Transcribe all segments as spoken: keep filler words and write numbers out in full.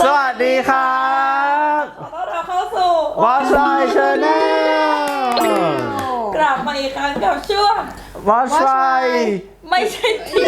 สวัสดีครับขอต้อนรับเข้าสู่ Watch My Channel กลับมาอีกครั้งกับช่วง Watch My ไม่ใช่ที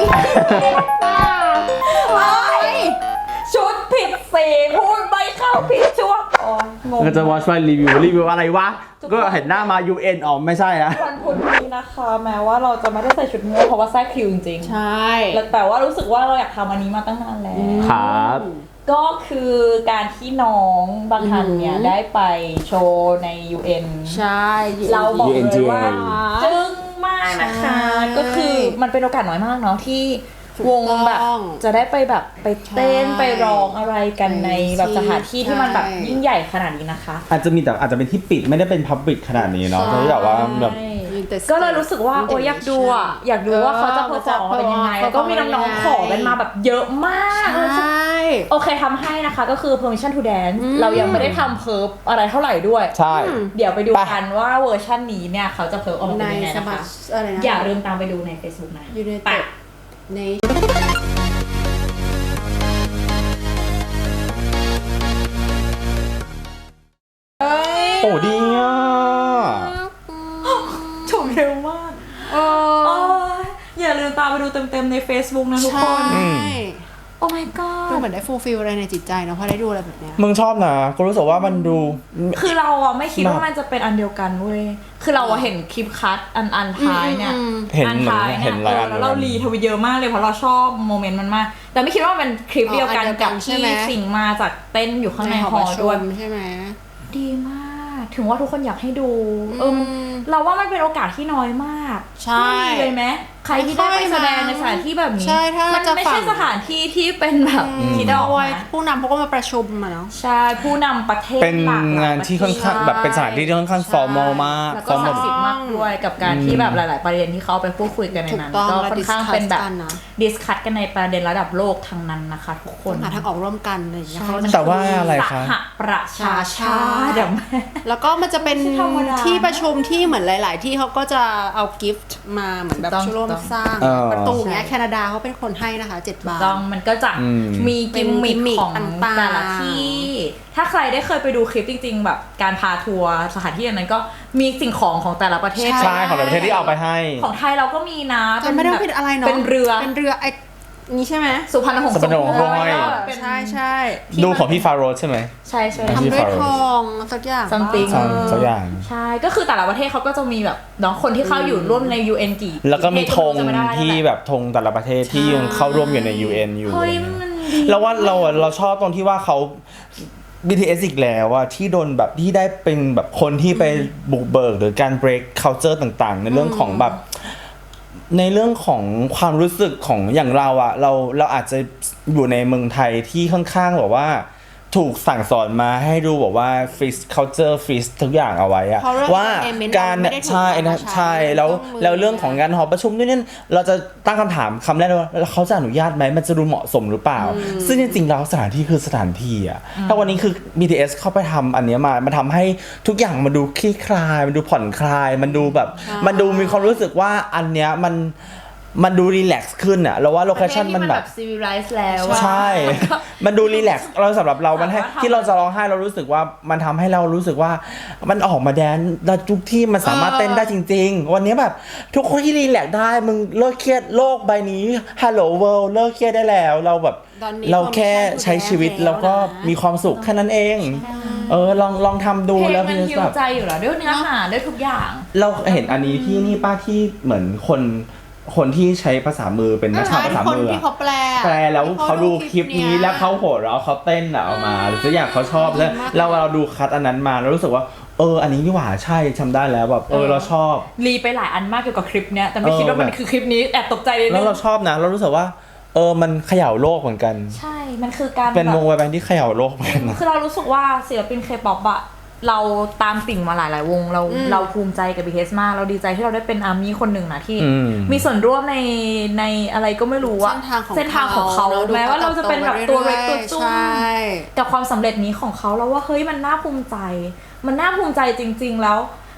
ชุดผิดสีพูดไม่เข้าผิดช่วงอ๋องงก็จะ Watch My รีวิวรีวิวอะไรวะก็เห็นหน้ามา ยู เอ็น อ๋อไม่ใช่นะวันพุธนี้นะคะแม้ว่าเราจะไม่ได้ใส่ชุดม่วงเพราะว่าแทรกคิวจริงๆใช่แต่ว่ารู้สึกว่าเราอยากทำอันนี้มาตั้งนานแล้วครับก็คือการที่น้องบางทันเนี่ยได้ไปโชว์ใน ยู เอ็นใช่เราบอกเลยว่ายู เอ็นจึ้งมากนะคะใช่ก็คือมันเป็นโอกาสน้อยมากเนาะที่วงแบบถูกต้องจะได้ไปแบบไปเต้นใช่ไปร้องอะไรกันในแบบสถานที่ที่มันแบบใช่ยิ่งใหญ่ขนาดนี้นะคะอาจจะมีแต่อาจจะเป็นที่ปิดไม่ได้เป็น Public ขนาดนี้เนาะใช่ที่แบบว่าแบบก็เลยรู้สึกว่าโอ้ยอยากดูอ่ะอยากดูว่าเขาจะเพอร์ฟอร์มเป็นยังไงแล้วก็มีน้องๆขอกันมาแบบเยอะมากใช่โอเคทำให้นะคะก็คือ permission to dance อืมเรายังไม่ได้ทำเพิร์ฟอะไรเท่าไหร่ด้วยใช่เดี๋ยวไปดูไปกันว่าเวอร์ชันนี้เนี่ยเขาจะเพิร์ฟออกมาในเป็นยังไงสนะมัคะชอะไรนะอย่าลืมตามไปดูใน Facebook นะยูเนไปเต็ดในโอ้ดีอ่ะจบเร็วมากเอโอ้อยอย่าลืมตามไปดูเต็มๆใน Facebook นะทุกคนใช่โอ้ my ดู god เหมือนได้ฟูลฟิลอะไรในจิตใจเนาะพอได้ดูอะไรแบบเนี้ยมึงชอบนะก็รู้สึกว่ามันดูคือเราอ่ะไม่คิดแบบว่ามันจะเป็นอันเดียวกันเว้ย คือเราอ่ะเห็นคลิปคัทอันอันท้ายเนี่ยอืมเห็นอันเหมือนท้ายเห็เนี่ยนหลายอันแล้วเรารีทวิตเยอะมากเลยเพราะเราชอบโมเมนต์มันมาก แต่ไม่คิดว่ามันเป็นคลิปเดียวกันกับที่สิงมาจากเต้นอยู่ข้างในหอด้วยใช่ไหมดีมาก ถึงว่าทุกคนอยากให้ดู เออมันเราว่ามันเป็นโอกาสที่น้อยมากใช่ไม่มีเลยไหมใครที่ได้ไปแสดงในสถานที่แบบนี้ใช่ถ้ามันจะไม่ฝั่ใช่งสถานที่ที่เป็นแบบคิดออกโอ้มายผู้นำเขาก็มาประชุมมาเนาะใช่ผู้นำประเทศเป็นหลกหลยงานที่ค่อนข้างประเทศแบบเป็นสถานที่ที่ค่อนข้างใช่ formal มากแล้วก็ศักดิ์สิทธิ์มากด้วยกับการที่แบบหลาย ๆ ประเด็นที่เขาเอาไปพูดคุยกันในถูกนั้นต้องก็และค่อนข้างเป็นแบบ discuss กันนะดิสคัตกันในประเด็นระดับโลกทั้งนั้นนะคะทุกคนหาทางออกร่วมกันอะไรอย่างเงี้ยใช่เขาจะแต่ว่าอะไรสคะหประชาชาติอะแม่แล้วก็มันจะเป็นไม่ใช่ธรรมดาที่ประชุมที่เหมือนหลาย ๆ ที่เขาก็จะเอากิฟต์มาเหมือนแบบถูกต้องช่วยร่วมถูกต้องสร้างเออประตูเนี้ยใช่แคนาดาเขาเป็นคนให้นะคะเจ็ดบาทต้องมันก็จะอืมมีกิมมิคเป็นกิมมิคของต่างๆแต่ละที่ ถ้าใครได้เคยไปดูคลิปจริง ๆ แบบการพาทัวร์สถานที่อันนั้นก็มีสิ่งของของแต่ละประเทศใช่ของแต่ละประเทศที่เอาไปให้ของไทยเราก็มีนะจำไม่ได้ว่าเป็นอะไรเนาะเป็นเรือเป็นเรือไอ้นี่ใช่ไหมสุพรรณหงส์สุพรรณหงส์สุพรรณห้อยเป็นใช่ใช่ดูของพี่ฟาโรสใช่ไหมใช่ใช่ทำทำด้วยทองสักอย่าง Something สักสักอย่างใช่ ก็คือแต่ละประเทศเขาก็จะมีแบบน้องคนที่เข้าอยู่ร่วมใน ยู เอ็น กี่แล้วก็มีธงประเทศก็ไม่รู้จะไม่ได้ที่แบบธงแต่ละประเทศที่ยังเข้าร่วมอยู่ใน ยู เอ็น อยู่เฮ้ยมันดีแล้วว่าเราอะเราชอบตรงที่ว่าเขา บี ที เอส อีกแล้วอะที่โดนแบบที่ได้เป็นแบบคนที่ไปบุกเบิกหรือการ break culture ต่างๆ ในเรื่องของแบบ ในเรื่องของความรู้สึกของอย่างเราอะเราเราอาจจะอยู่ในเมืองไทยที่ค่อนข้างแบบว่าถูกสั่งสอนมาให้ดูแบบว่า freeze culture freeze ทุกอย่างเอาไว้อะเพราะเรื่องว่า entertainment การเราไม่ได้ถูกใช่นะเอามาใช้ใช่แล้วต้องมือแล้วเรื่องของการหอประชุมด้วยเนี่ยเราจะตั้งคำถามคำแรกเลยว่าแล้วเขาจะอนุญาตไหมมันจะดูเหมาะสมหรือเปล่า ซึ่งจริงๆแล้วสถานที่คือสถานที่อะถ้าวันนี้คือ บี ที เอส เข้าไปทำอันเนี้ยมามันทำให้ทุกอย่างมันดูคลี่คลายมันดูผ่อนคลาย มันดูแบบใช่มันดูมีความรู้สึกว่าอันเนี้ยมันมันดูรีแลกซ์ขึ้นอะแล้วว่าโลเคชั่นมันแบบซีวิไลซ์แล้วอะใช่ มันดูรีแลกซ์เราสำหรับเรา มันให้สามารถทำที่เราจะร้องไห้เรารู้สึกว่ามันทำให้เรารู้สึกว่ามันออกมาแดนซ์แล้วทุกที่มันสามารถเต้นได้จริง ๆ วันนี้แบบทุกคนที่รีแลกซ์ได้มึงเลิกเครียดโลกใบนี้ Hello World เลิกเครียดได้แล้วเราแบบตอนนี้เราแค่ใช้ชีวิต permission แล้วก็แล้วนะมีความสุขแค่นั้นเอง เออลองลองทำดูเพลงแล้วมันพี่ฮิวแบบใจอยู่แล้วด้วยเนื้อหาด้วยทุกอย่างเราเห็นอันนี้ที่นี่ป้าที่เหมือนคนคนที่ใช้ภาษามือเป็นนักข่าวภาษาคนมือที่อะเขาแปลแปลแล้วเขาดูคลิปนี้แล้วเขาโหดเราะเขาเต้นอะเอามาหรือสักอย่างเขาชอบแล้วเราเราดูคัดอันนั้นมาแล้วรู้สึกว่าเอออันนี้นี่หว่าใช่ทำได้แล้วแบบเออเราชอบรีไปหลายอันมากเกี่ยวกับคลิปเนี้ยแต่ไม่เออคิดว่ามันแบบคือคลิปนี้แอบตกใจเลยแล้วเราชอบนะ เรารู้สึกว่าเออมันเขย่าโลกเหมือนกันใช่ มันคือการเป็นแบบวงไวแบนด์ที่เขย่าโลกเหมือนกันนะคือเรารู้สึกว่าศิลปินเคป๊อปอะเราตามติ่งมาหลายๆวงเราอืมเราภูมิใจกับ บี ที เอส มากเราดีใจที่เราได้เป็นอาร์มี่คนหนึ่งนะที่อืมมีส่วนร่วมในในอะไรก็ไม่รู้อะเส้นทางของเส้นทางของเขาเนอะแม้ว่าเราจะเป็นแบบตัวเล็กตัวจุ้มใช่กับความสำเร็จนี้ของเขาแล้วว่าเฮ้ยมันน่าภูมิใจ มันน่าภูมิใจจริง ๆ แล้ว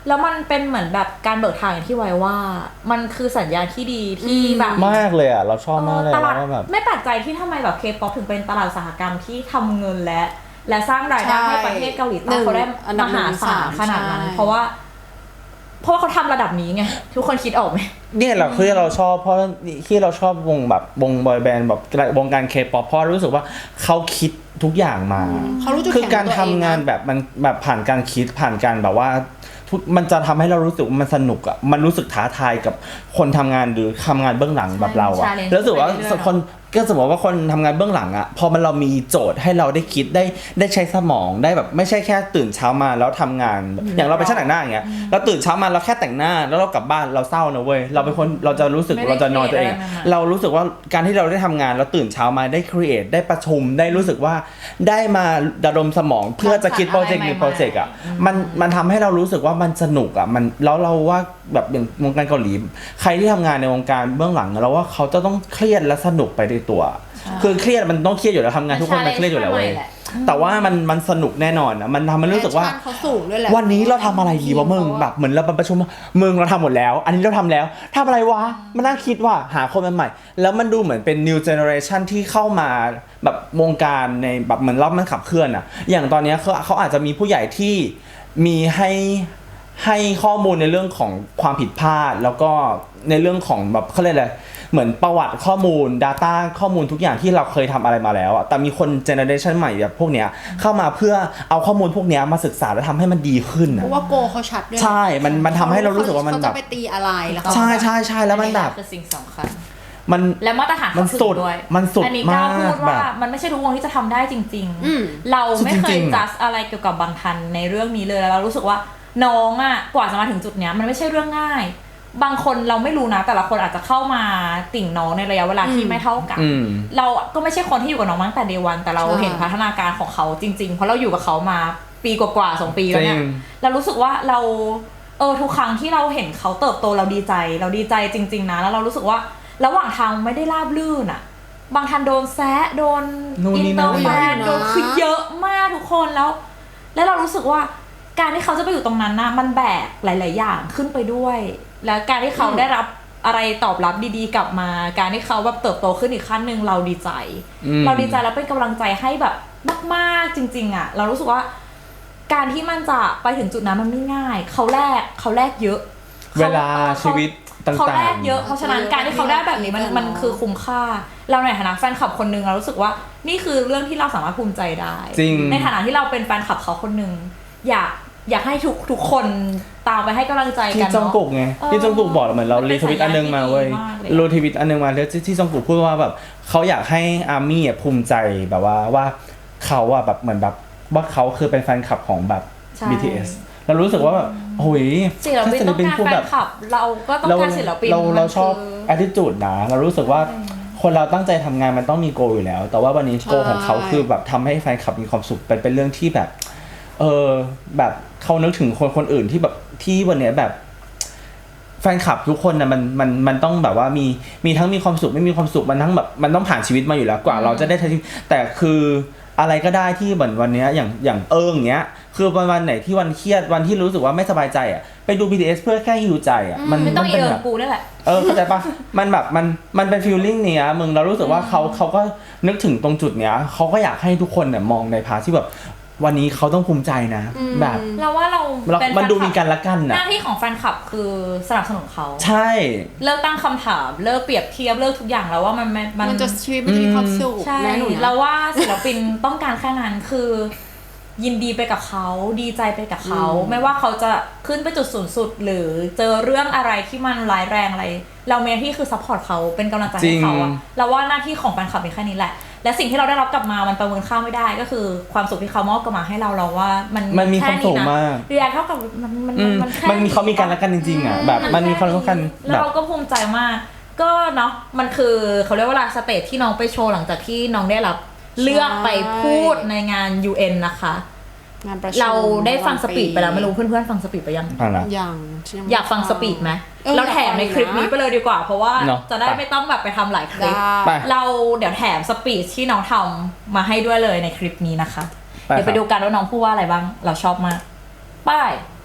แล้วมันเป็นเหมือนแบบการเบิกทางอย่างที่ไว้ว่า มันคือสัญญาณที่ดีที่แบบมากเลยอ่ะเราชอบมากเลยตลาดว่าแบบไม่แปลกใจที่ทำไมแบบเคป๊อปถึงเป็นตลาดอุตสาหกรรมที่ทำเงินและ และสร้างรายได้ให้ประเทศเกาหลีใต้เขาได้มหาศาลขนาดนั้นเพราะว่า เพราะว่าเขาทำระดับนี้ไงทุกคนคิดออกไหมเนี่ยเราคือเราชอบเพราะที่เราชอบวงแบบวงบอยแบนด์แบบวงการเคป๊อปเพราะรู้สึกว่าเขาคิดทุกอย่างมาเขารู้จุดคือแข็งการของตัวทำเองงานนะแบบมันแบบผ่านการคิดผ่านการแบบว่าทุกมันจะทำให้เรารู้สึกว่ามันสนุกอ่ะมันรู้สึกท้าทายกับคนทำงานหรือทำงานเบื้องหลังแบบเราอ่ะ challenge แล้วรู้สึกว่าไปเรื่อยๆคนก็สมมติว่าคนทำงานเบื้องหลังอ่ะพอมันเรามีโจทย์ให้เราได้คิดได้ได้ใช้สมองได้แบบไม่ใช่แค่ตื่นเช้ามาแล้วทำงานอย่างเราเป็นช่างแต่งหน้าอย่างเงี้ยเราตื่นเช้ามาเราแค่แต่งหน้าแล้วเรากลับบ้านเราเศร้านะเว้ยเราเป็นคนเราจะรู้สึกไม่ได้เราจะนอนตัวเอง create อะไรมาเรารู้สึกว่าการที่เราได้ทำงานแล้วตื่นเช้ามาได้ครีเอทได้ประชุมได้รู้สึกว่าได้มาระดมสมองเพื่อจะคิดโปรเจกต์หรือโปรเจกต์อ่ะมันมันทำให้เรารู้สึกว่ามันสนุกอ่ะมันแล้วเราว่าแบบอย่างวงการเกาหลีใครที่ทำงานในวงการเบื้องหลังเราว่าเขาจะต้องเครียดและสนุกไปในตัว คือเครียดมันต้องเครียดอยู่แล้วทำงานทุกคนมันเครียดอยู่แล้วเว้ยแต่ว่ามันมันสนุกแน่นอนนะมันทำให้รู้สึกว่าแพชชั่นเขาสูงด้วยแหละวันนี้เราทำอะไรดีวะมึงแบบเหมือนเราประชุมมึงเราทำหมดแล้ว อันนี้เราทำแล้วทำอะไรวะมานั่งคิดว่าหาคนใหม่ๆแล้วมันดูเหมือนเป็น new generation ที่เข้ามาแบบวงการในแบบเหมือนรอบมันขับเคลื่อนอะอย่างตอนนี้เขาเขาอาจจะมีผู้ใหญ่ที่มีให้ให้ข้อมูลในเรื่องของความผิดพลาดแล้วก็ในเรื่องของแบบเขาเรียกอะไรเหมือนประวัติข้อมูล Data ข้อมูลทุกอย่างที่เราเคยทำอะไรมาแล้วอะแต่มีคนเจเนอเรชันใหม่แบบพวกเนี้ยเข้ามาเพื่อเอาข้อมูลพวกเนี้ยมาศึกษาและทำให้มันดีขึ้นเพอะราะว่าโกเขาชัดด้วยใช่มันมันทำให้เรารู้สึกว่ามันเขาแบจะบไปตีอะไรแล้วเขาใช่ใช่ใช่แล้วมันแบบคือสิ่งสำคัญมันและมาตรฐานมันเขาสุสูดงด้วยมันสุดอันนี้กล้าพูดมากว่าแบบมันไม่ใช่ทุกวงที่จะทำได้จริงอืมๆ เราไม่เคจริยงๆอะจัดอะไรเกี่ยวกับบางทันในเรื่องนี้เลยแล้วเรารู้สึกว่าน้องอ่ะกว่าจะมาถึงจุดเนี้ยมันไม่ใช่เรื่องง่าย บางคนเราไม่รู้นะแต่ละคนอาจจะเข้ามาติ่งน้องในระยะเวลาที่อืมไม่เท่ากันอืมเราก็ไม่ใช่คนที่อยู่กับน้องมาตั้งแต่เดวันแต่เราใช่เห็นพัฒนาการของเขาจริง ๆ เพราะเราอยู่กับเขามาปีกว่าๆสองปีแล้วเนี่ยจริงเรารู้สึกว่าเราเออทุกครั้งที่เราเห็นเขาเติบโตเราดีใจ เราดีใจจริง ๆนะแล้วเรารู้สึกว่าระหว่างทางไม่ได้ราบลื่นอะบางทันโดนแซะโดนนู่นอินนี่เตอนั่ร์นแฟนโดนคือเยอะมากทุกคนแล้ว แล้วเรารู้สึกว่าการที่เขาจะไปอยู่ตรงนั้นนะมันแบกหลาย ๆ อย่างขึ้นไปด้วย แล้วการที่เขาได้รับอะไรตอบรับดีๆกลับมา การที่เขาแบบเติบโตขึ้นอีกขั้นหนึ่งเราดีใจอืมเราดีใจแล้วเป็นกำลังใจให้แบบมากๆจริง ๆอะเรารู้สึกว่า การที่มันจะไปถึงจุดนั้นมันไม่ง่ายเขาแลกเขาแลกเยอะเวลาขชีวิตต่างๆเขาแลกเยอะเพราะฉะนั้นการที่เขาได้แบบนี้มันเยอะๆมันคือคุ้มค่า เราในฐานะแฟนคลับคนหนึงเรารู้สึกว่านี่คือเรื่องที่เราสามารถภูมิใจได้จริงในฐานะที่เราเป็นแฟนคลับเขาคนหนึ่งอยากอยากให้ทุกทุกคนตามไปให้กำลังใจที่กันจองเนาะกุกไงเออที่จองกุกบอกเหมือนเรามันเป็รีนทวิตอันนึงมาเว้ยสัญญาณที่ดีมากเลยอะรีทวิตอันนึงมาแล้วที่ที่จองกุกพูดว่าแบบเขาอยากให้อาร์มี่ภูมิใจแบบว่าว่าเขาอะแบบเหมือนแบบว่าเขาคือเป็นแฟนคลับของแบบใช่บี ที เอส เรารู้สึกว่าแบบโอ้ยศิลปินต้องการพูดแฟแบนบคลับ เราก็ต้องเราการศิลปินเราเรามันชอบคือ attitude นะเรารู้สึกว่าคนเราตั้งใจทำงานมันต้องมีโกอยู่แล้ว แต่ว่าวันนี้โกของเขาคือแบบทำให้แฟนคลับมีความสุขเป็นเป็นเรื่องที่แบบเออแบบเขานึกถึงคนคนอื่นที่แบบที่วันเนี้ยแบบแฟนคลับทุกคนนะมันมันมันต้องแบบว่ามีมีทั้งมีความสุขไม่มีความสุขมันทั้งแบบมันต้องผ่านชีวิตมาอยู่แล้วกว่า เราจะได้ใช้ชีวิตแต่คืออะไรก็ได้ที่เหมือนวันเนี้ยอย่างอย่างเอิงเนี้ยคือวันวันไหนที่วันเครียดวันที่รู้สึกว่าไม่สบายใจอ่ะไปดู บี ที เอส เพื่อแค่ฮิวใจอ่ะมันไม่ต้องมันอีเป็นเอิแบร์บกูนั่นแหละเออเข้าใจปะ มันแบบมันมันเป็นฟีลลิ่งเนี้ยมึงเรารู้สึกว่าเขาเขาก็นึกถึงตรงจุดเนี้ยเขาก็อยากให้ทุกคนเนี่ยมองในพาร์ทที่แบบวันนี้เขาต้องภูมิใจนะ แบบเราว่าเราเราเป็นมันดูแฟมีคลับกันละกันหนะน้าที่ของแฟนคลับคือสนับสนุนเขาใช่เลิกตั้งคำถามเลิกเปรียบเทียบเลิกทุกอย่างแล้วว่ามันมันมันจะชีวิตมันจะมีความสุขใช่นะหนูนะเราว่าศิลปินต้องการแค่นั้นคือ ยินดีไปกับเขาดีใจไปกับเขาอืมไม่ว่าเขาจะขึ้นไปจุดสูงสุด หรือเจอเรื่องอะไรที่มันร้ายแรงอะไร เราเมที่คือซัพพอร์ตเขาเป็นกำลังใจให้เขาอะเราว่าหน้าที่ของแฟนคลับมีแค่นี้แหละ และสิ่งที่เราได้รับกลับมามันประเมินค่าไม่ได้ก็คือความสุขที่เขามอบกลับมาให้เราเราว่ามันมันมีความสุขมากเรียนเท่ากับมันมันอืมมันแค่มันมีเขามีกันละกันจริงๆอ่ะแบบมันมีความรักกันแล้วแบบเราก็ภูมิใจมาก ก็เนาะมันคือเขาเรียกว่าลาสเตจที่น้องไปโชว์หลังจากที่น้องได้รับเลือกไปพูดในงาน ยู เอ็น นะคะงานประชุมเราได้ฟังสปีดไปแล้วไม่รู้เพื่อนๆฟังสปีดไปยังฟังละอย่างอยากฟังสปีดไหมออเราแถมในคลิปนี้ไปเลยดีกว่า เพราะว่าเนอะจะได้ไม่ต้องแบบไปทำหลายคลิปไปเราเดี๋ยวแถมสปีดที่น้องทำมาให้ด้วยเลยในคลิปนี้นะคะไปเดี๋ยวไปครับดูกันว่าน้องพูดว่าอะไรบ้าง เราชอบมากไป้าย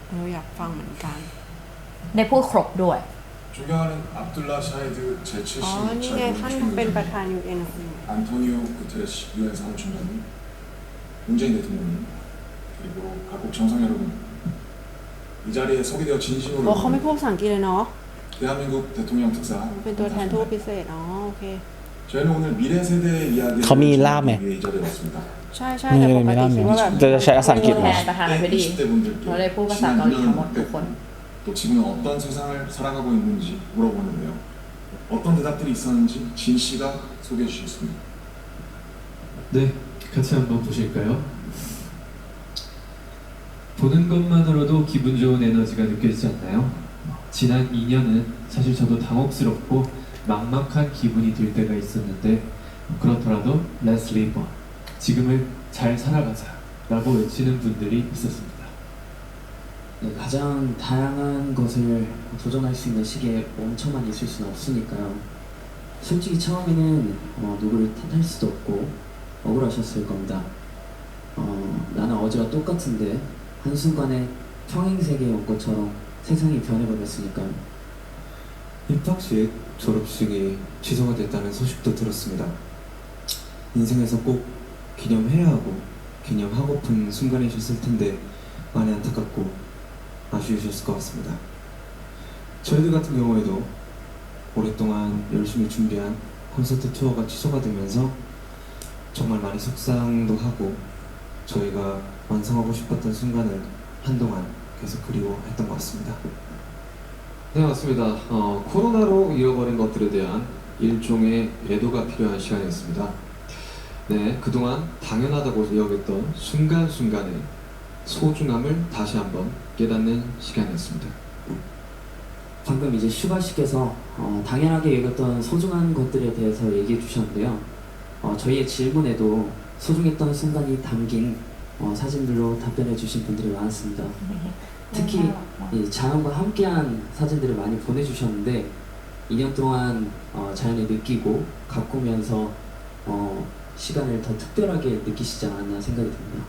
เอออยากฟังเหมือนกันได้พูดครบด้วย 존경하는 압둘라 샤히드 อ๋อ นี่ไง ท่าน 제칠십육 เป็น 차 ประธาน ยู เอ็น 안토니오 구테레시 유엔 사무총장님, 문재인 대통령님, 그리고 각국 정상 여러분, 이 자리에 서게 되어 โอ้เขาไม่ 진심으로 พูดภาษาอังกฤษเลยเนาะ 대한민국 대통령 특사 เป็นตัวแทนทูตพิเศษ อ๋อ โอเค 저희는 오늘 미래 세대의 이야기를 거미 전하기 라메. 위해 이 자리에 왔습니다. ใช่ใช่แต่ปกติคิดว่าแบบจะใช้ภาษาอังกฤษไหมประธานาธิบดี 이십 대 분들께 원래พูดภาษา 지난 เกาหลีทั้ง 일 หมด 년을 ทุกคน 또 지금은 어떤 세상을 살아가고 있는지 물어보는데요. 어떤 대답들이 있었는지 진 씨가 소개해 주시겠습니다. 네, 같이 한번 보실까요? 보는 것만으로도 기분 좋은 에너지가 느껴지지 않나요? 지난 이 년은 사실 저도 당혹스럽고 막막한 기분이 들 때가 있었는데 그렇더라도 Let's live on, 지금을 잘 살아가자 라고 외치는 분들이 있었습니다. 네, 가장 다양한 것을 도전할 수 있는 시기에 멈춰만 있을 수는 없으니까요. 솔직히 처음에는 어, 누구를 탓할 수도 없고 억울하셨을 겁니다. 어, 나는 어제와 똑같은데 한순간에 평행세계에 온 것처럼 세상이 변해버렸으니까요. 입학식, 졸업식이 취소가 됐다는 소식도 들었습니다. 인생에서 꼭 기념해야 하고 기념하고픈 순간이셨을 텐데 많이 안타깝고 아쉬우셨을 것 같습니다. 저희들 같은 경우에도 오랫동안 열심히 준비한 콘서트 투어가 취소가 되면서 정말 많이 속상도 하고 저희가 완성하고 싶었던 순간을 한동안 계속 그리워했던 것 같습니다. 네, 맞습니다. 어, 코로나로 잃어버린 것들에 대한 일종의 애도가 필요한 시간이었습니다. 네, 그동안 당연하다고 여겼던 순간순간의 소중함을 다시 한번 깨닫는 시간이었습니다. 방금 이제 슈가 씨께서 어, 당연하게 여겼던 소중한 것들에 대해서 얘기해 주셨는데요. 어, 저희의 질문에도 소중했던 순간이 담긴 어, 사진들로 답변해 주신 분들이 많았습니다. 특히 이 자연과 함께한 사진들을 많이 보내주셨는데 이 년 동안 어, 자연을 느끼고 가꾸면서 어, 시간을 더 특별하게 느끼시지 않았나 생각이 듭니다.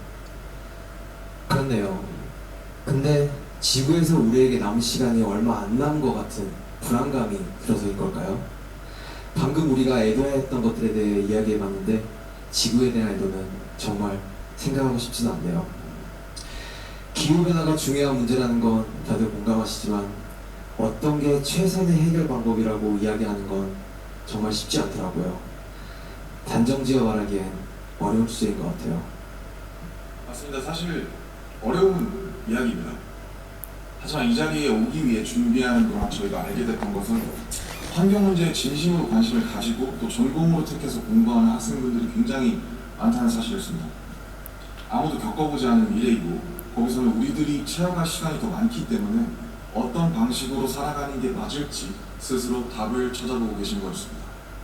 그렇네요. 근데 지구에서 우리에게 남은 시간이 얼마 안 남은 것 같은 불안감이 들어서일 걸까요? 방금 우리가 애도했던 것들에 대해 이야기해봤는데 지구에 대한 애도는 정말 생각하고 싶지는 않네요. 기후변화가 중요한 문제라는 건 다들 공감하시지만 어떤 게 최선의 해결 방법이라고 이야기하는 건 정말 쉽지 않더라고요. 단정지어 말하기엔 어려운 주제인 것 같아요. 맞습니다. 사실 어려운 이야기입니다. 하지만 이 자리에 오기 위해 준비하는 동안 저희가 알게 됐던 것은 환경 문제에 진심으로 관심을 가지고 또 전공으로 택해서 공부하는 학생분들이 굉장히 많다는 사실이었습니다. 아무도 겪어보지 않은 미래이고 거기서는 우리들이 채워갈 시간이 더 많기 때문에 어떤 방식으로 살아가는 게 맞을지 스스로 답을 찾아보고 계신 거였습니다.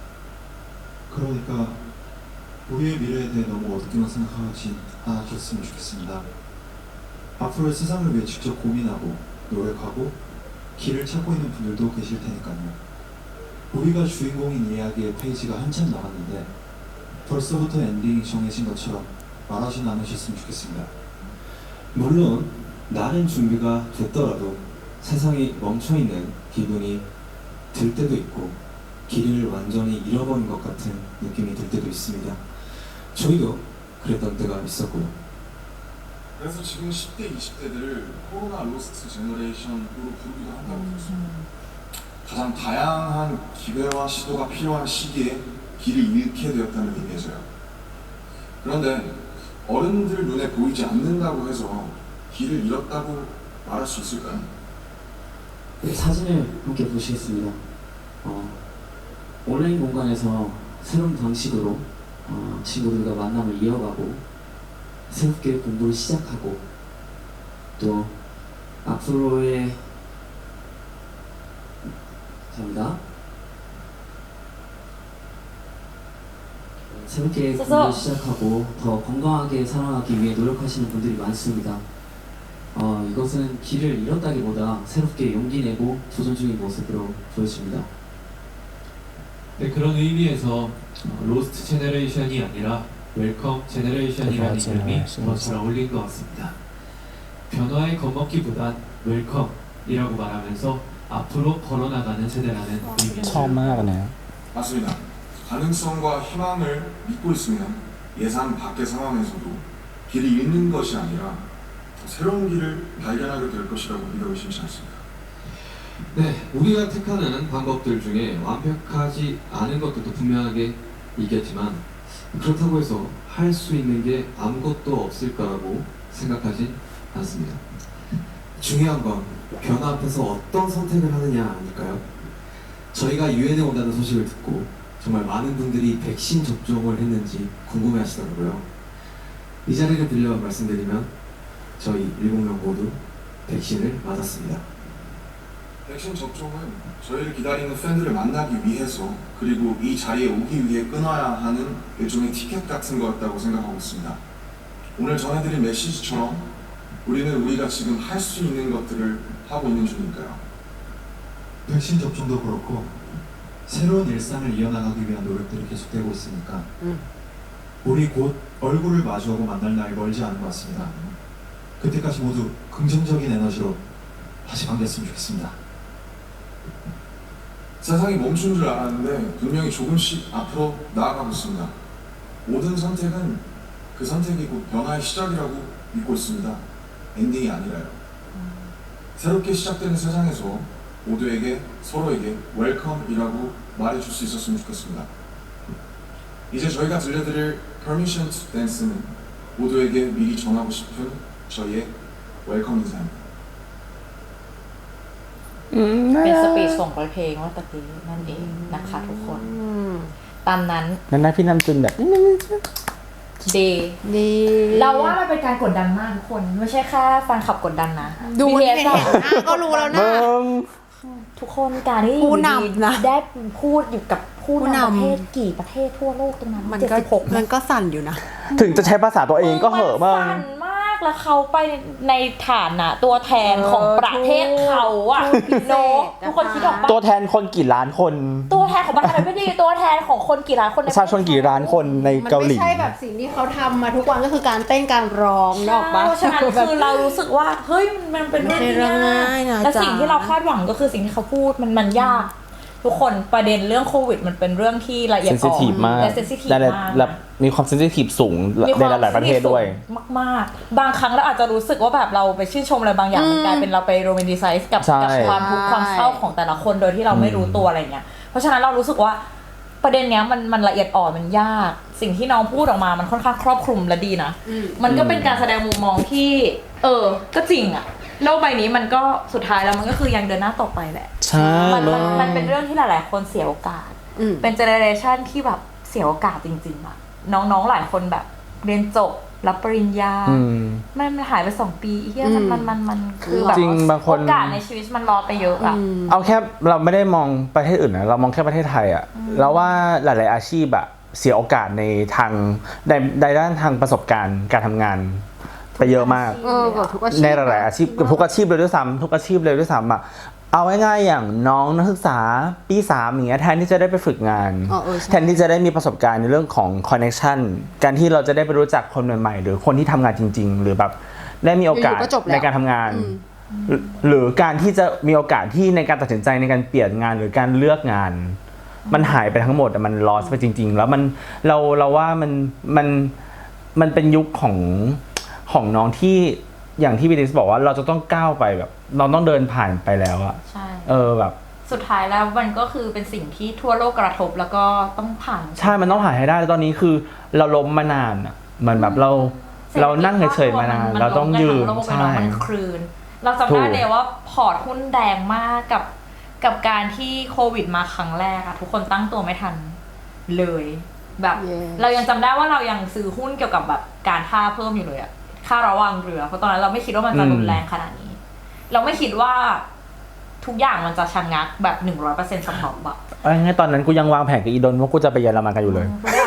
그러니까 우리의 미래에 대해 너무 어둡게만 생각하지 않아줬으면 좋겠습니다. 앞으로의 세상을 위해 직접 고민하고 노력하고 길을 찾고 있는 분들도 계실 테니까요. 우리가 주인공인 이야기의 페이지가 한참 남았는데 벌써부터 엔딩이 정해진 것처럼 말하진 않으셨으면 좋겠습니다. 물론 나는 준비가 됐더라도 세상이 멈춰있는 기분이 들 때도 있고 길을 완전히 잃어버린 것 같은 느낌이 들 때도 있습니다. 저희도 그랬던 때가 있었고요. 그래서 지금 십 대, 이십 대들을 코로나 로스트 제너레이션으로 부르기도 한다고 들었습니다. 가장 다양한 기회와 시도가 필요한 시기에 길을 잃게 되었다는 의미에서요. 그런데 어른들 눈에 보이지 않는다고 해서 길을 잃었다고 말할 수 있을까요? 네, 사진을 함께 보시겠습니다. 어, 온라인 공간에서 새로운 방식으로 어, 친구들과 만남을 이어가고 새롭게 공부를 시작하고 또 앞으로의 감사합니다. 새롭게 공부를 시작하고 더 건강하게 살아가기 위해 노력하시는 분들이 많습니다. 어, 이것은 길을 잃었다기보다 새롭게 용기 내고 도전 중인 모습으로 보여집니다. 네, 그런 의미에서 어, 로스트 제너레이션이 아니라 웰컴 제너레이션이라는 맞아요. 이름이 맞아요. 더 잘 어울린 것 같습니다. 변화에 겁먹기보단 웰컴이라고 말하면서 앞으로 걸어나가는 세대라는 의미입니다. ชอบมากนะ 맞습니다. 가능성과 희망을 믿고 있으면 예상 밖의 상황에서도 길을 잃는 것이 아니라 새로운 길을 발견하게 될 것이라고 믿어 의심치 않습니다. 네, 우리가 택하는 방법들 중에 완벽하지 않은 것들도 분명하게 있겠지만 그렇다고 해서 할 수 있는 게 아무것도 없을 거라고 생각하지 않습니다. 중요한 건 변화 앞에서 어떤 선택을 하느냐 아닐까요? 저희가 유엔에 온다는 소식을 듣고 정말 많은 분들이 백신 접종을 했는지 궁금해 하시더라고요. 이 자리를 빌려 말씀드리면 저희 일곱 명 모두 백신을 맞았습니다. 백신 접종은 저희를 기다리는 팬들을 만나기 위해서 그리고 이 자리에 오기 위해 끊어야 하는 일종의 티켓 같은 거였다고 생각하고 있습니다. 오늘 전해드린 메시지처럼 우리는 우리가 지금 할 수 있는 것들을 하고 있는 중이니까요. 백신 접종도 그렇고 새로운 일상을 이어나가기 위한 노력들이 계속되고 있으니까 음. 우리 곧 얼굴을 마주하고 만날 날이 멀지 않은 것 같습니다. 그때까지 모두 긍정적인 에너지로 다시 만났으면 좋겠습니다. 세상이 멈춘 줄 알았는데 분명히 조금씩 앞으로 나아가고 있습니다. 모든 선택은 그 선택이 곧 변화의 시작이라고 믿고 있습니다. 엔딩이 아니라요. 새롭게 시작되는 세상에서 모두에게 서로에게 웰컴이라고 말해줄 수 있었으면 좋겠습니다. 이제 저희가 들려드릴 Permission to Dance는 모두에게 미리 전하고 싶은 저희의 웰컴 인사입니다. เป็นสปีดส่งเพลงว่าตะกี้นั่นเองนะคะทุกคนอืมตามนั้นนั่นนะพี่นำจุนแบบดีดีเราว่ามันเป็นการกดดันมากทุกคนไม่ใช่แค่แฟนคลับกดดันนะดูบีเห็ทีนเอสหน้าก็รู้แล้วนะทุกคนการที่ผู้นำนะได้พูดอยู่กับผู้ผู้นำนำประเทศกี่ประเทศทั่วโลกตรงนั้นมันเจ็ดก็สิบหกมันก็สั่นอยู่นะถึงจะใช้ภาษาตัวเองก็เหอะมากสั่นมากแล้วเขาไปในฐานะตัวแทนของประเทศเขาอะทูตพิเศษโนทุกคนคิดออกปะตัวแทนคนกี่ล้านคนตัวแทนของประเทศไม่ดีตัวแทนของคนกี่ล้านคนปในระชาชนกี่ล้านคนในมันเกาหไม่ลีใช่แบบสิ่งที่เขาทำมาทุกวันก็คือการเต้นการร้องนกออกปะเพราะฉะนั้นคือเรารู้สึกว่าเฮ้ยมันเป็นเรื่องที่มันเป็นเรื่องง่ายนะและจ๊ะสิ่งที่เราคาดหวังก็คือสิ่งที่เขาพูดมันมันยาก ทุกคนประเด็นเรื่องโควิดมันเป็นเรื่องที่ละเอียดเซนซิอ่อทีฟนมากและเซนซิทีฟและมากและมีความเซนซิทีฟสูงมีคในวามหลายๆประเทศด้วยมากๆ บางครั้งเราอาจจะรู้สึกว่าแบบเราไปชื่นชมอะไรบางอย่างมันกลายเป็นเราไปโรแมนติไซส์กับใช่กับความทุกข์ความเศร้าของแต่ละคนโดยที่เราไม่รู้ตัวอะไรเงี้ยเพราะฉะนั้นเรารู้สึกว่าประเด็นเนี้ยมันมันละเอียดอ่อนมันยาก สิ่งที่น้องพูดออกมามันค่อนข้างครอบคลุมและดีนะ มันก็เป็นการแสดงมุมมองที่ เออ ก็จริงอะโลกใบนี้มันก็สุดท้ายแล้วมันก็คือยังเดินหน้าต่อไปแหละใช่มันมันมากมันเป็นเรื่องที่หลายๆคนเสียโอกาสอืมเป็นเจเนอเรชันที่แบบเสียโอกาสจริงๆอะน้องๆหลายคนแบบเรียนจบรับปริญญาอืมมันมันหายไปสองปีอีกเหี้ยมันมันมันมันคือแบบจริงบางคนโอกาสในชีวิตมันรอไปเยอะอะเอาแค่เราไม่ได้มองประเทศอื่นนะเรามองแค่ประเทศไทยอะแล้วว่าหลายๆอาชีพอะเสียโอกาสในทางในในด้านทางประสบการณ์การทำงานไปเยอะมากเออกับทุกอาชีพในหลายๆอาชีพกับทุกอาชีพเลยด้วยซ้ำทุกอาชีพเลยด้วยซ้ำอะเอาง่ายๆอย่างน้องนักศึกษาปีสามอย่างเงี้ยแทนที่จะได้ไปฝึกงานอ๋อเออใช่แทนที่จะได้มีประสบการณ์ในเรื่องของคอนเนคชันการที่เราจะได้ไปรู้จักคนใหม่ๆหรือคนที่ทำงานจริง ๆ หรือแบบได้มีโอกาสอยู่ๆก็จบแล้วในการทำงานอืมหรือหรือการที่จะมีโอกาสที่ในการตัดสินใจในการเปลี่ยนงานหรือการเลือกงาน มันหายไปทั้งหมดอะมันลอสไปจริง ๆ แล้วมันเราเราว่ามันมันมันเป็นยุคของของน้องที่อย่างที่บีดิสบอกว่าเราจะต้องก้าวไปแบบ เราต้องเดินผ่านไปแล้วอะใช่เออแบบสุดท้ายแล้วมันก็คือเป็นสิ่งที่ทั่วโลกกระทบแล้วก็ต้องผ่านใช่มันต้องผ่านให้ได้แล้วตอนนี้คือเราล้มมานานอะเหมันแบบเราเรานั่งเฉยๆมานานเราต้องยืนใช่ใช่มันคลืน เราจำถูได้กเลยว่าพอร์ตหุ้นแดงมากกับกับการที่โควิดมาครั้งแรกอะทุกคนตั้งตัวไม่ทันเลยแบบ Yes เรายังจำได้ว่าเรายังซื้อหุ้นเกี่ยวกับแบบการท่าเพิ่มอยู่เลยอะค่าระวางเรือเพราะตอนนั้นเราไม่คิดว่ามันจะรุนแรงขนาดนี้ เราไม่คิดว่าทุกอย่างมันจะชะงักแบบหนึ่งร้อยเปอร์เซ็นต์สำหรับแบบเอาง่ายๆตอนนั้นกูยังวางแผนกับอีดนว่ากูจะไปเยอรมันกันอยู่เลยทุกอย่าง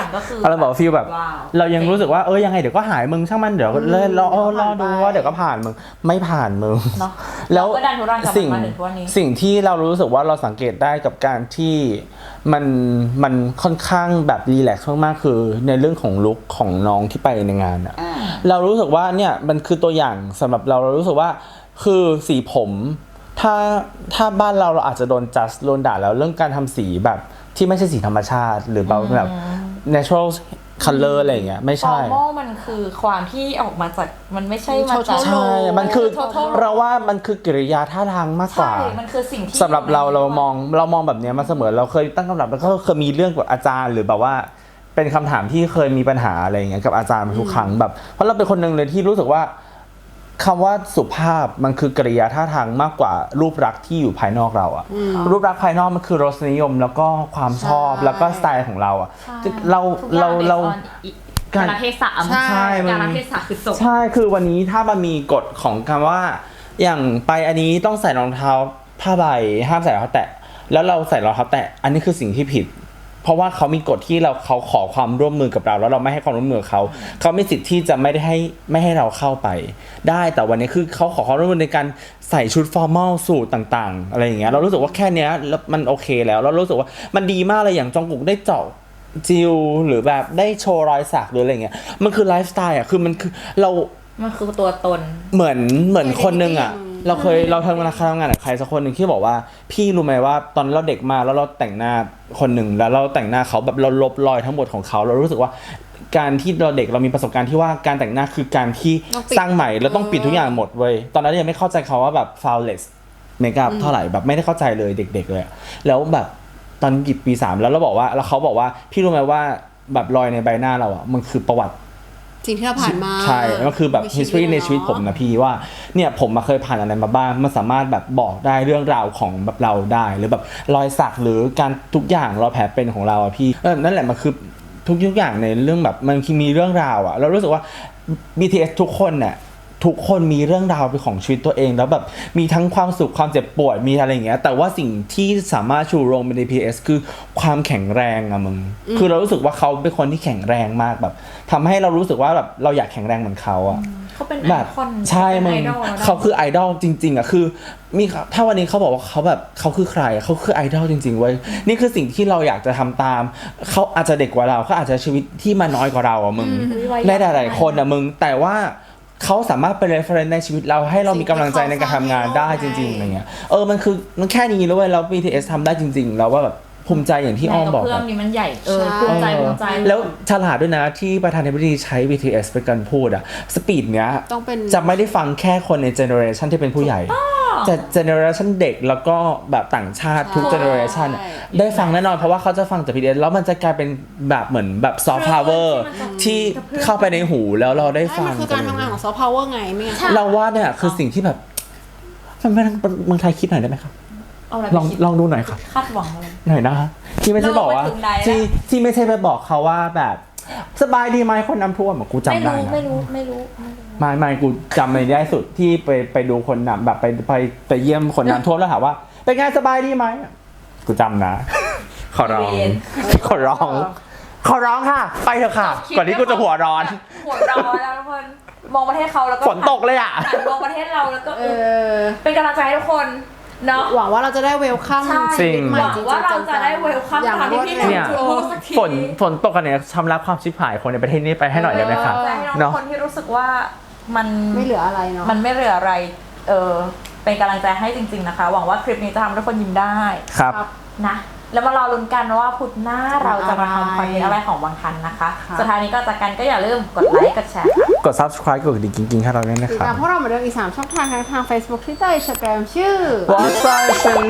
ก็คือเราบอกฟีลแบบว้าวเรายังรู้สึกว่าเออยังไงเดี๋ยวก็หายมึงช่างมันเดี๋ยวเลยรอรอดูว่าเดี๋ยวก็ผ่านมึงไม่ผ่านมึงเนาะแล้วเราก็ดันทุรังกับมันสิ่งมาถึงทุกวันนี้สิ่งที่เรารู้สึกว่าเราสังเกตได้กับการที่มันมันค่อนข้างแบบรีแลกซ์มากๆคือในเรื่องของลุคของน้องที่ไปในงานอะเรารู้สึกว่าเนี่ยมันคือตัวอย่างสำหรับเราเรารู้สึกว่าคือสีผมถ้าถ้าบ้านเราเราอาจจะโดนจัดโดนด่าแล้วเรื่องการทำสีแบบที่ไม่ใช่สีธรรมชาติหรือแบบแบบ natural color อะไรอย่างเงี้ยไม่ฟอใช่ร์มอลมันคือความที่ออกมาจากมันไม่ใช่มาจากใช่มันคือ total เราว่ามันคือกิริยาท่าทางมากกว่าใช่มันคือสิ่งที่สำหรับเราเรามองเรามองแบบเนี้ยมาเสมอเราเคยตั้งคำถามแล้วก็เคยมีเรื่องกับอาจารย์หรือแบบว่าเป็นคำถามที่เคยมีปัญหาอะไรอย่างเงี้ยกับอาจารย์ทุกครั้งแบบเพราะเราเป็นคนหนึ่งเลยที่รู้สึกว่าคำว่าสุภาพมันคือกริยาท่าทางมากกว่ารูปลักษณ์ที่อยู่ภายนอกเราอะรูปลักษณ์ภายนอกมันคือรสนิยมแล้วก็ความชอบแล้วก็สไตล์ของเราอะเราเราเราการเทศะใช่มันการเทศะคือจบใช่คือวันนี้ถ้ามันมีกฎของคำว่าอย่างไปอันนี้ต้องใส่รองเท้าผ้าใบห้ามใส่รองเท้าแตะแล้วเราใส่รองเท้าแตะอันนี้คือสิ่งที่ผิด เพราะว่าเขามีกฎที่เราเขาขอความร่วมมือกับเราแล้วเราไม่ให้ความร่วมมือเขาเขามีสิทธิ์ที่จะไม่ได้ให้ไม่ให้เราเข้าไป ได้แต่วันนี้คือเขาขอความร่วมมือในการใส่ชุดฟอร์มัลสูทต่างๆอะไรอย่างเงี้ยเรารู้สึกว่าแค่เนี้ยแล้วมันโอเคแล้วเรารู้สึกว่ามันดีมากเลยอย่างจองกุกได้เจาะจิวหรือแบบได้โชว์รอยสักหรืออะไรเงี้ยมันคือไลฟ์สไตล์อ่ะคือมันคือเรามันคือตัวตนเหมือนเหมือนคนนึงอ่ะเราเคยเราทำงานทำงานกับใครสักคนหนึ่งที่บอกว่าพี่รู้ไหมว่าตอนเราเด็กมาแล้วเราแต่งหน้าคนหนึ่งแล้วเราแต่งหน้าเขาแบบเราลบรอยทั้งหมดของเขาเรารู้สึกว่าการที่เราเด็กเรามีประสบการณ์ที่ว่าการแต่งหน้าคือการที่สร้างใหม่เราต้องปิดทุกอย่างหมดเว้ยตอนนั้นยังไม่เข้าใจเขาว่าแบบ flawless makeup เท่าไหร่แบบไม่ได้เข้าใจเลยเด็กๆเลยแล้วแบบตอนหยิบปีสามแล้วเราบอกว่าแล้วเขาบอกว่าพี่รู้ไหมว่าแบบรอยในใบหน้าเราอ่ะมันคือประวัติสิ่งที่เราผ่านมาใช่ก็คือแบบ history ในชีวิตผมนะพี่ว่าเนี่ยผมมาเคยผ่านอะไรมาบ้างมันสามารถแบบบอกได้เรื่องราวของแบบเราได้หรือแบบรอยสักหรือการทุกอย่างรอยแผลเป็นของเราอะพี่เออนั่นแหละมันคือทุกทุกอย่างในเรื่องแบบมันมีเรื่องราวอะเรารู้สึกว่า บี ที เอส ทุกคนเนี่ยทุกคนมีเรื่องราวเป็นของชีวิตตัวเองแล้วแบบมีทั้งความสุขความเจ็บปวดมีอะไรอย่างเงี้ยแต่ว่าสิ่งที่สามารถชูโรงเป็น บี ที เอส คือความแข็งแรงอะมึงคือเรารู้สึกว่าเขาเป็นคนที่แข็งแรงมากแบบทำให้เรารู้สึกว่าแบบเราอยากแข็งแรงเหมือนเขาอะเขาเป็นแบไอบ คอนใช่มึงเป็นไอดอลนะเขาคือไอดอลจริงๆอะคือมีถ้าวันนี้เขาบอกว่าเขาแบบเขาคือใครเขาคือไอดอลจริงๆเว้ยนี่คือสิ่งที่เราอยากจะทำตามเขาอาจจะเด็กกว่าเราเขาอาจจะชีวิตที่มาน้อยกว่าเราอะมึงในหลายๆคนอะมึงแต่ว่าเขาสามารถเป็น reference ในชีวิตเราให้เรามีกำลังใจในการทำงานได้จริงๆอะไรเงี้ยเออมันคือมันแค่นี้แล้วเว้ยแล้ว บี ที เอส ทำได้จริงๆแล้วว่าแบบภูมิใจอย่างที่อ้อมบอกเพื่อนนี้มันใหญ่เออภูมิใจภูมิใจแล้วฉลาดด้วยนะที่ประธานาธิบดีใช้ บี ที เอส เป็นการพูดอะสปีดเนี้ยต้องเป็นจะไม่ได้ฟังแค่คนในเจเนอเรชันที่เป็นผู้ใหญ่จะเจเนอเรชันเด็กแล้วก็แบบต่างชาติทุกเจเนอเรชันได้ฟังแน่นอนเพราะว่าเขาจะฟังจาก บี ที เอส แล้วมันจะกลายเป็นแบบเหมือนแบบซอฟต์พาวเวอร์ที่เข้าไปในหูแล้วเราได้ใช่ฟัมังนคือการทำงานของซอฟต์พาวเวอร์ไงไม่งั้นเราว่าเนี่ยคือสิ่งที่แบบมันไม่เมืองไทยคิดหน่อยได้ไหมครับเอาอะไรลองไปคิดลองดูหน่อยครับคาดหวังอะไรหน่อยนะคะที่ไม่ใช่บอกว่าเราไปถึงไหนแล้วที่ที่ไม่ใช่ไปบอกเขาว่าแบบสบายดีไหมคนน้ำท่วมอะกูจำไม่ได้รู้นะไม่รู้ไม่รู้ไม่รู้ไม่ไม่กูจำในได้สุดที่ไปไปดูคนน้ำแบบไปไปไปเยี่ยมคนน้ำท่วมแล้วถามว่าเป็นไงสบายดีไหมกูจำนะ ขอร้องขอร้องขอร้องค่ะ ไปเถอะค่ะ ก่อนที่กูจะหัวร้อนหัวร้อนแล้วทุกคนมองประเทศเขาแล้วก็ฝนตกเลยอ่ะหันมองประเทศเราแล้วก็เอเอออเป็นกำลังใจให้ทุกคนเนาะหวังว่าเราจะได้เวลคัมใช่ชีวิตใหม่หวังจริงๆว่าเราจะได้เวลคัมอย่างตามที่พี่รวดหเร็นึ่วงจูพูดสักทีฝนฝนตกกันเนี่ยชำระความชิบหายคนในประเทศนี้ไปให้หน่อยได้ไหมครับเออให้น้องเนาะคนที่รู้สึกว่ามันไม่เหลืออะไรเนาะมันไม่เหลืออะไร เออ เป็นกำลังใจให้จริงๆนะคะ หวังว่าคลิปนี้จะทำให้ทุกคนยิ้มได้ครับนะ แล้วมารอลุ้นกันว่าพุธหน้าเราจะมาทำคอนเทนต์อะไรของบางทันนะคะ สุดท้ายนี้ก็จากกันก็อย่าลืมกดไลค์ กดแชร์ค่ะกด subscribe กดกระดิ่งกิ๊งๆให้เราด้วยนะติดครับตามพวกเราเหมือนเดิมอีกสามช่องทางทั้งทาง Facebook Twitter Instagram ชื่อ What's Up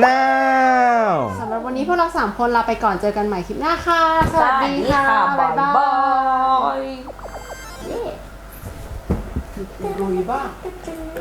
Channel สำหรับวันนี้พวกเราสามคนลาไปก่อนเจอกันใหม่คลิปหน้าค่ะ สวัสดีค่ะบ๊ายบายลุยบ้าง